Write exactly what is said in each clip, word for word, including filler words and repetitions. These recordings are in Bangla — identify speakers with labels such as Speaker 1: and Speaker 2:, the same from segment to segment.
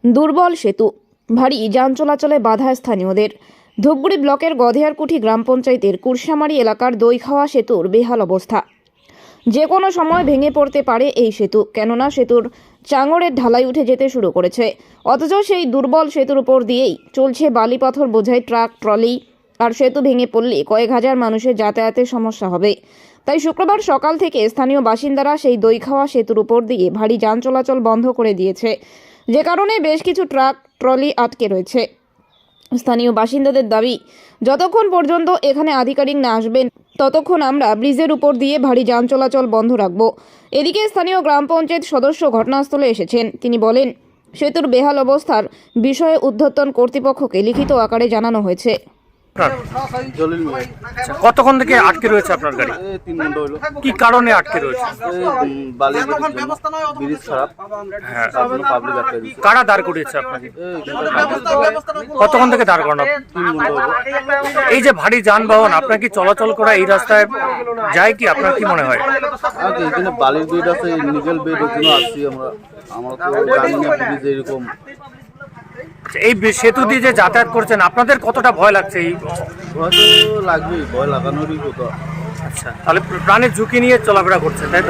Speaker 1: দুর্বল সেতু, ভারী যান চলাচলে বাধা স্থানীয়দের। ধূপগুড়ি ব্লকের গধেয়ারকুঠি গ্রাম পঞ্চায়েতের কুরসামারি এলাকার দইখাওয়া সেতুর বেহাল অবস্থা। যে কোনো সময় ভেঙে পড়তে পারে এই সেতু, কেননা সেতুর চাঙড়ের ঢালাই উঠে যেতে শুরু করেছে। অথচ সেই দুর্বল সেতুর উপর দিয়েই চলছে বালি পাথর বোঝাই ট্রাক, ট্রলি। আর সেতু ভেঙে পড়লে কয়েক হাজার মানুষের যাতায়াতের সমস্যা হবে। তাই শুক্রবার সকাল থেকে স্থানীয় বাসিন্দারা সেই দইখাওয়া সেতুর উপর দিয়ে ভারী যান চলাচল বন্ধ করে দিয়েছে, যে কারণে বেশ কিছু ট্রাক, ট্রলি আটকে রয়েছে। স্থানীয় বাসিন্দাদের দাবি, যতক্ষণ পর্যন্ত এখানে আধিকারিক না আসবেন ততক্ষণ আমরা ব্রিজের উপর দিয়ে ভারী যান চলাচল বন্ধ রাখব। এদিকে স্থানীয় গ্রাম পঞ্চায়েত সদস্য ঘটনাস্থলে এসেছেন। তিনি বলেন, সেতুর বেহাল অবস্থার বিষয়ে ঊর্ধ্বতন কর্তৃপক্ষকে লিখিত আকারে জানানো হয়েছে।
Speaker 2: কতক্ষণ থেকে আটকে রয়েছে আপনার গাড়ি?
Speaker 3: তিন ঘন্টা হলো।
Speaker 2: কি কারণে আটকে রয়েছে?
Speaker 3: বালি ব্রিজ খারাপ।
Speaker 2: হ্যাঁ,
Speaker 3: পাবলিক আটকে দিচ্ছে।
Speaker 2: কারা দাঁড় করিয়েছে আপনাকে? কতক্ষণ থেকে দাঁড় করানো?
Speaker 3: তিন ঘন্টা হলো।
Speaker 2: এই যে ভারী যানবাহন আপনার কি চলাচল করা এই রাস্তায় যায় কি, আপনার কি মনে হয়?
Speaker 3: আর কি এখানে বালির বেড আছে, নিকেল বেড, ওখানে আসছি আমরা। আমরা তো জানি না ব্রিজ এরকম।
Speaker 2: এই সেতু দিয়ে যে যাতায়াত করছেন আপনাদের কতটা ভয় লাগছে? এই
Speaker 3: ভয় তো লাগবেই, ভয় লাগানোরই কথা।
Speaker 2: আচ্ছা, তাহলে প্রাণের ঝুঁকি নিয়ে চলাফেরা করছেন, তাই তো?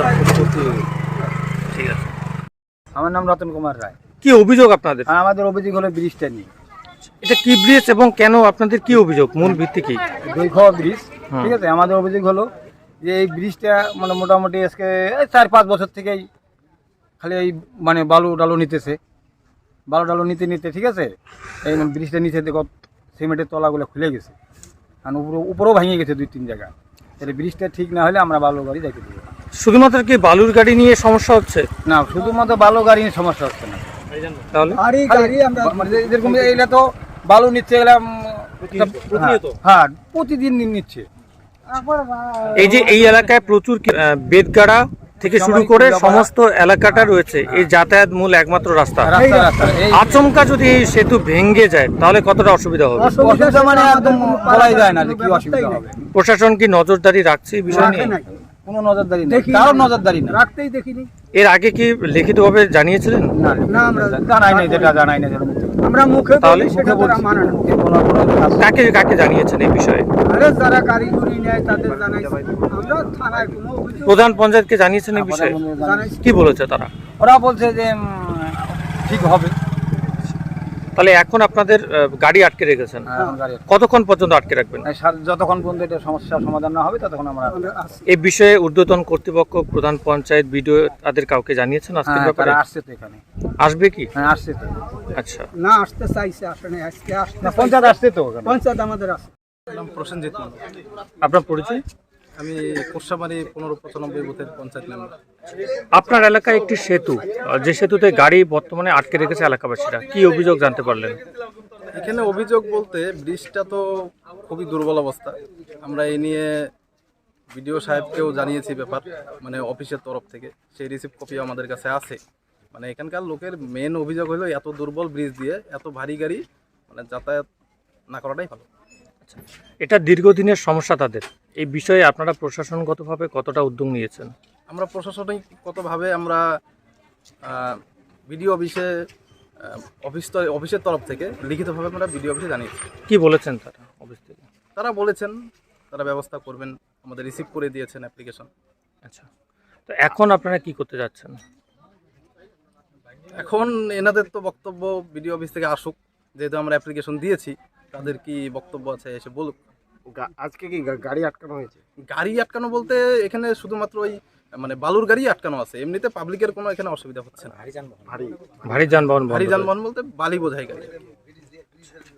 Speaker 2: ঠিক আছে।
Speaker 4: আমার নাম রতন কুমার রায়।
Speaker 2: কি অভিযোগ আপনাদের?
Speaker 4: আর আমাদের অভিযোগ হলো ব্রিজটা নিয়ে।
Speaker 2: এটা কি ব্রিজ এবং কেন, আপনাদের কি অভিযোগ, মূল ভিত্তি কি?
Speaker 4: দইখাওয়া ব্রিজ, ঠিক আছে। আমাদের অভিযোগ হলো যে এই ব্রিজটা মানে মোটামুটি আজকে চার পাঁচ বছর থেকেই খালি এই মানে বালু ডালু নিতেছে, বালু ডালু নিতে নিতে ঠিক আছে, এই ব্রিজটা নিচে দেখো সিমেন্টের তলাগুলো খুলে গেছে, আর উপরে উপরেও ভেঙে গেছে দুই তিন জায়গা। তাহলে ব্রিজটা ঠিক না হলে আমরা বালু গাড়ি দেখে দেবো।
Speaker 2: শুধুমাত্র কি বালুর গাড়ি নিয়ে সমস্যা হচ্ছে?
Speaker 4: না, শুধুমাত্র বালু গাড়ি নিয়ে সমস্যা হচ্ছে না।
Speaker 2: তাহলে
Speaker 4: মানে যেরকম এইটা তো বালু নিচ্ছে, এগুলা হ্যাঁ প্রতিদিন নিচ্ছে।
Speaker 2: এই যে এই এলাকায় প্রচুর বেদগাড়া থেকে শুরু করে সমস্ত এলাকাটা রয়েছে, এই যাতায়াত মূল একমাত্র রাস্তা। আচমকা যদি এই সেতু ভেঙে যায় তাহলে কতটা অসুবিধা হবে?
Speaker 4: অসুবিধা মানে একদম বলাই যায় না যে কি অসুবিধা হবে।
Speaker 2: প্রশাসন কি নজরদারি রাখছে এই বিষয় নিয়ে?
Speaker 4: কোনো নজরদারি নেই, কারো নজরদারি নেই, রাখতেই দেখিনি।
Speaker 2: এর আগে কি লিখিতভাবে জানিয়েছিলেন?
Speaker 4: না না, আমরা জানাই নাই, যেটা জানাই না আমরা মুখে
Speaker 2: তাহলে
Speaker 4: সেটা তো মানা না।
Speaker 2: কাকে কাকে জানিয়েছেন এই বিষয়ে?
Speaker 4: আরে যারা কারিগরি নেয় তাদের জানাইছি আমরা। থানায় কোনো অভিযোগ,
Speaker 2: প্রধান পঞ্চায়েতকে জানিয়েছেন এই বিষয়ে? কি বলেছে তারা?
Speaker 4: ওরা বলছে যে উম, ঠিক হবে।
Speaker 2: তাহলে এখন আপনাদের আহ, গাড়ি আটকে রেখেছেন, কতক্ষণ পর্যন্ত আটকে রাখবেন?
Speaker 4: যতক্ষণ পর্যন্ত এটা সমস্যার সমাধান না হবে ততক্ষণ আমরা।
Speaker 2: এই বিষয়ে ঊর্ধ্বতন কর্তৃপক্ষ, প্রধান পঞ্চায়েত, বিডিও তাদের কাউকে জানিয়েছেন আজকের ব্যাপারে?
Speaker 4: আসছে তো এখানে।
Speaker 2: আসবে কি?
Speaker 4: হ্যাঁ আসছে তো।
Speaker 2: আচ্ছা,
Speaker 4: না আসতে চাইছে, আসলে আজকে আসছে। পঞ্চায়েত আসছে তো, পঞ্চায়েত আমাদের আসছে।
Speaker 5: নাম প্রসেনজিৎ মণ্ডল।
Speaker 2: আপনার পরিচয়?
Speaker 5: আমি কোর্সামারি পনেরো পঁচানব্বই বুথের পঞ্চায়েত মেম্বার।
Speaker 2: আপনার এলাকায় একটি সেতু, আহ, যে সেতুতে গাড়ি বর্তমানে আটকে রেখেছে এলাকাবাসীরা, কি অভিযোগ জানতে পারলেন?
Speaker 5: এখানে অভিযোগ বলতে ব্রিজটা তো খুবই দুর্বল অবস্থা। আমরা এই নিয়ে বিডিও সাহেবকেও জানিয়েছি ব্যাপার, মানে অফিসের তরফ থেকে সেই রিসিভ কপি আমাদের কাছে আছে। মানে এখানকার লোকের মেন অভিযোগ হলো এত দুর্বল ব্রিজ দিয়ে এত ভারী গাড়ি মানে যাতায়াত না করাটাই ভালো।
Speaker 2: এটা দীর্ঘদিনের সমস্যা তাদের। এই বিষয়ে আপনারা প্রশাসনগতভাবে কতটা উদ্যোগ নিয়েছেন?
Speaker 5: আমরা প্রশাসনিকগতভাবে আমরা বিডিও অফিসে অফিস অফিসের তরফ থেকে লিখিতভাবে আমরা বিডিও অফিসে জানিয়েছি।
Speaker 2: কি বলেছেন তারা অফিস থেকে?
Speaker 5: তারা বলেছেন তারা ব্যবস্থা করবেন, আমাদের রিসিভ করে দিয়েছেন অ্যাপ্লিকেশন।
Speaker 2: আচ্ছা, তো এখন আপনারা কি করতে যাচ্ছেন?
Speaker 5: এখন এনাদের তো বক্তব্য বিডিও অফিস থেকে আসুক, যেহেতু আমরা অ্যাপ্লিকেশন দিয়েছি, তাদের কি বক্তব্য আছে এসে বলুক।
Speaker 4: আজকে কি গাড়ি আটকানো হয়েছে?
Speaker 5: গাড়ি আটকানো বলতে এখানে শুধুমাত্র ওই মানে বালুর গাড়ি আটকানো আছে, এমনিতে পাবলিকের কোনো এখানে অসুবিধা হচ্ছে না।
Speaker 2: ভারী যানবাহন
Speaker 5: ভারী যানবাহন বলতে বালি বোঝাই গাড়ি।